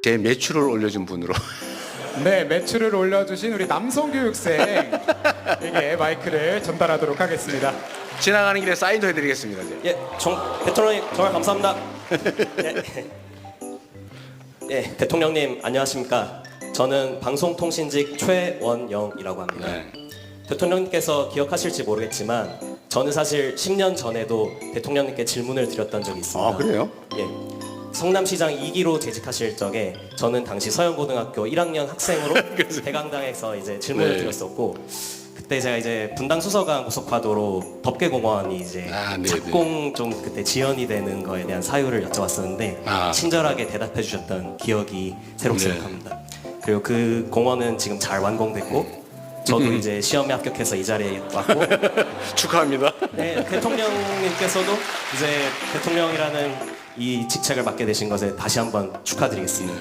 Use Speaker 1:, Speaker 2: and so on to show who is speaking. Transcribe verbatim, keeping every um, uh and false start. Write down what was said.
Speaker 1: 제 매출을 올려준 분으로.
Speaker 2: 네, 매출을 올려주신 우리 남성교육생에게 마이크를 전달하도록 하겠습니다.
Speaker 1: 지나가는 길에 사인도 해드리겠습니다. 이제.
Speaker 3: 예, 정, 대통령님 정말 감사합니다. 예, 예, 대통령님 안녕하십니까? 저는 방송통신직 최원영이라고 합니다.
Speaker 1: 네.
Speaker 3: 대통령님께서 기억하실지 모르겠지만 저는 사실 십 년 전에도 대통령님께 질문을 드렸던 적이 있습니다.
Speaker 1: 아, 그래요?
Speaker 3: 예. 성남시장 이 기로 재직하실 적에 저는 당시 서영고등학교 일 학년 학생으로 대강당에서 이제 질문을
Speaker 1: 네.
Speaker 3: 드렸었고, 그때 제가 이제 분당 수서강 고속화도로 덮개공원이 이제
Speaker 1: 아, 네네.
Speaker 3: 착공 좀 그때 지연이 되는 거에 대한 사유를 여쭤봤었는데
Speaker 1: 아.
Speaker 3: 친절하게 대답해 주셨던 기억이 새록새록합니다.
Speaker 1: 네.
Speaker 3: 그리고 그 공원은 지금 잘 완공됐고 저도
Speaker 1: 음.
Speaker 3: 이제 시험에 합격해서 이 자리에 왔고
Speaker 1: 축하합니다.
Speaker 3: 네, 대통령님께서도 이제 대통령이라는 이 직책을 맡게 되신 것에 다시 한번 축하드리겠습니다.